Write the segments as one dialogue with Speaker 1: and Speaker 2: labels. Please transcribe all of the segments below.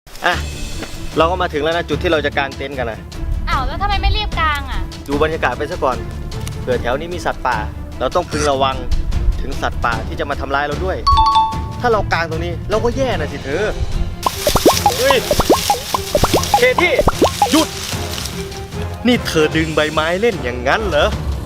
Speaker 1: อ่ะเราก็มาถึงแล้วนะจุดที่เราจะกางเต็นท์กันนะ
Speaker 2: อ้าวแล้วทำไมไม่รีบกลางอ่ะ
Speaker 1: ดูบรรยากาศไปซะก่อนเผื่อแถวนี้มีสัตว์ป่าเราต้องพึงระวังถึงสัตว์ป่าที่จะมาทำร้ายเราด้วย ถ้าเรากางตรงนี้เราก็แย่นะสิเธอเฮ้ยเคที่หยุดนี่เธอดึงใบไม้เล่นอย่างนั้นเหรอ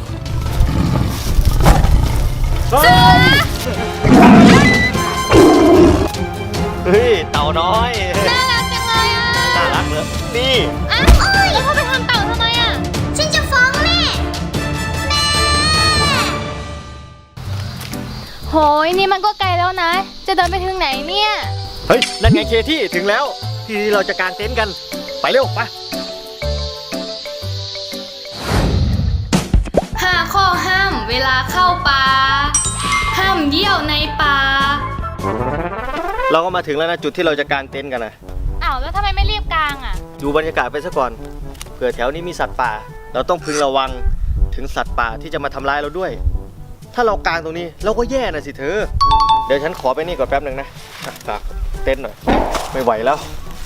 Speaker 1: เฮ้ยเต่าน้อย
Speaker 2: น่ารักจังเลยอ่ะ
Speaker 1: น่ารักเหรอนี่
Speaker 2: อ้าวแล้วพ่อไปทำเต่าทำไมอ่ะฉันจะฟ้องแม่โหยนี่มันก็ไกลแล้วนะจะเดินไปถึงไหนเนี่ย
Speaker 1: เฮ้ยนั่นไงเคที่ถึงแล้วที่เราจะกางเต็นท์กันไปเร็วไป
Speaker 2: 5 ข้อห้ามเวลาเข้าป่าห้ามเยี่ยวในป่า
Speaker 1: เราก็มาถึงแล้วนะจุดที่เราจะกางเต็นท์กันนะ
Speaker 2: อ้าวแล้วทำไมไม่รีบกลางอ่ะ
Speaker 1: ดูบรรยากาศไปซะก่อนเผื่อแถวนี้มีสัตว์ป่าเราต้องพึงระวังถึงสัตว์ป่าที่จะมาทำร้ายเราด้วย ถ้าเรากางตรงนี้เราก็แย่นะสิเธอเดี๋ยวฉันขอไปนี่ก่อนแป๊บหนึ่งนะฝากเต็นท์หน่อยไม่ไหวแล้ว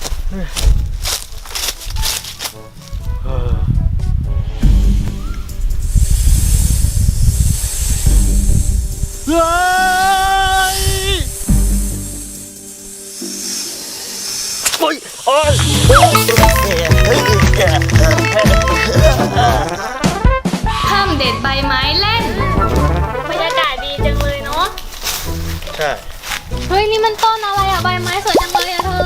Speaker 1: โอ้ยโอ้ย
Speaker 2: ห้ามเด็ดใบไม้เล่นบรรยากาศดีจังเลยเนาะ
Speaker 1: ใช่
Speaker 2: เฮ้ยนี่มันต้นอะไรอะใบไม้สวยจังเลยอะเธอ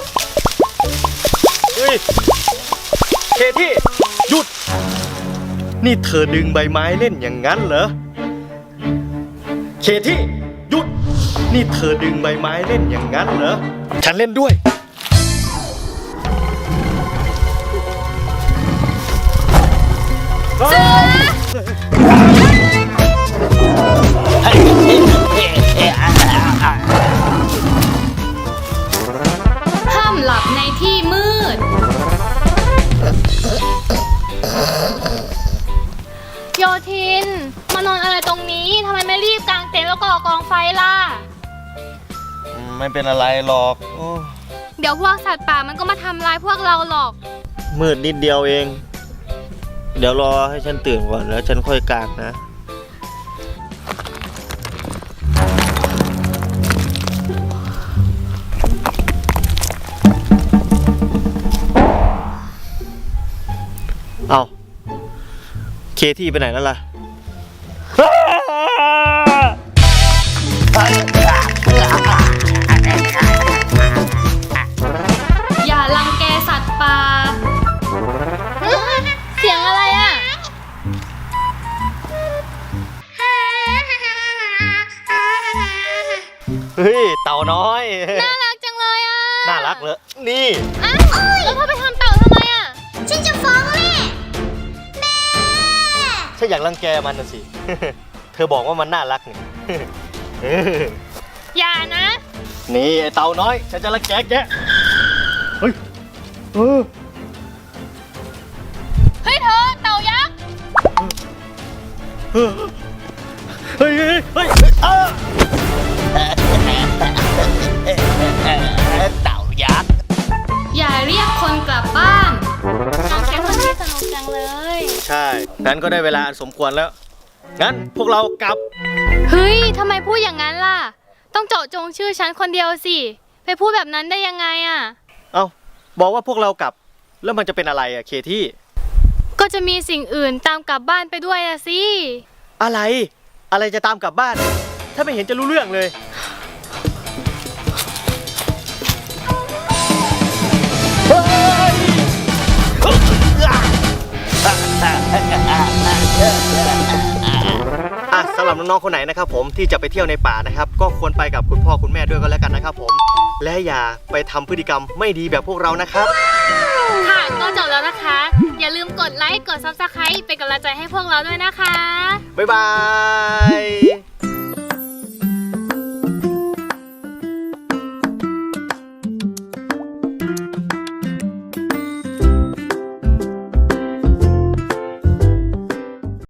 Speaker 1: เฮ้ยเคที่หยุดนี่เธอดึงใบไม้เล่นอย่างนั้นเหรอเคที่หยุดนี่เธอดึงใบไม้เล่นอย่างนั้นเหรอฉันเล่นด้วย
Speaker 2: ห้ามหลับในที่มืดโยทินมานอนอะไรตรงนี้ทำไมไม่รีบกางเต็นท์แล้วก่อกองไฟล่ะ
Speaker 1: ไม่เป็นอะไรหรอก
Speaker 2: เดี๋ยวพวกสัตว์ป่ามันก็มาทำร้ายพวกเราหรอก
Speaker 1: มืดนิดเดียวเองเดี๋ยวรอให้ฉันตื่นก่อนแล้วฉันค่อยกางนะเอาเคที่ไปไหนแล้วล่ะ
Speaker 2: อย่ารังแกสัตว์ป่าเสียงอะไรอ่ะ
Speaker 1: เฮ้ยเต่าน้อย
Speaker 2: น่ารักจังเลยอ่ะ
Speaker 1: น่ารักเหรอนี่
Speaker 2: อ้าวแล้วพ่อไปทำเต่าทำไมอ่ะฉันจะฟ้องแม่
Speaker 1: ฉันอยากรังแกมันน่ะสิ เธอบอกว่ามันน่ารักนี่
Speaker 2: อย่านะ
Speaker 1: นี่ไอเต่าน้อยฉันจะรังแกแกเฮ้ยเ
Speaker 2: ฮ้ยเธอเต่ายักษ์
Speaker 1: เฮ้ยเฮ้ยเฮ้ยเต่ายักษ์
Speaker 2: อย่าเรียกคนกลับบ้านน้องแค่คนที่สนุกจังเลย
Speaker 1: ใช่งั้นก็ได้เวลาอันสมควรแล้วงั้นพวกเรากลับ
Speaker 2: เฮ้ยทำไมพูดอย่างนั้นล่ะต้องเจาะจงชื่อฉันคนเดียวสิไปพูดแบบนั้นได้ยังไงอ่ะ
Speaker 1: เอ้าบอกว่าพวกเรากลับแล้วมันจะเป็นอะไรอะเคที่
Speaker 2: ก็จะมีสิ่งอื่นตามกลับบ้านไปด้วยอะสิ
Speaker 1: อะไรจะตามกลับบ้านถ้าไม่เห็นจะรู้เรื่องเลยสำหรับน้องๆคนไหนนะครับผมที่จะไปเที่ยวในป่านะครับก็ควรไปกับคุณพ่อคุณแม่ด้วยก็แล้วกันนะครับผมและอย่าไปทำพฤติกรรมไม่ดีแบบพวกเรานะครับ
Speaker 2: ค่ะก็จบแล้วนะคะอย่าลืมกดไลค์กด Subscribe เป็นกำลังใจให้พวกเราด้วยนะคะ
Speaker 1: บ๊ายบาย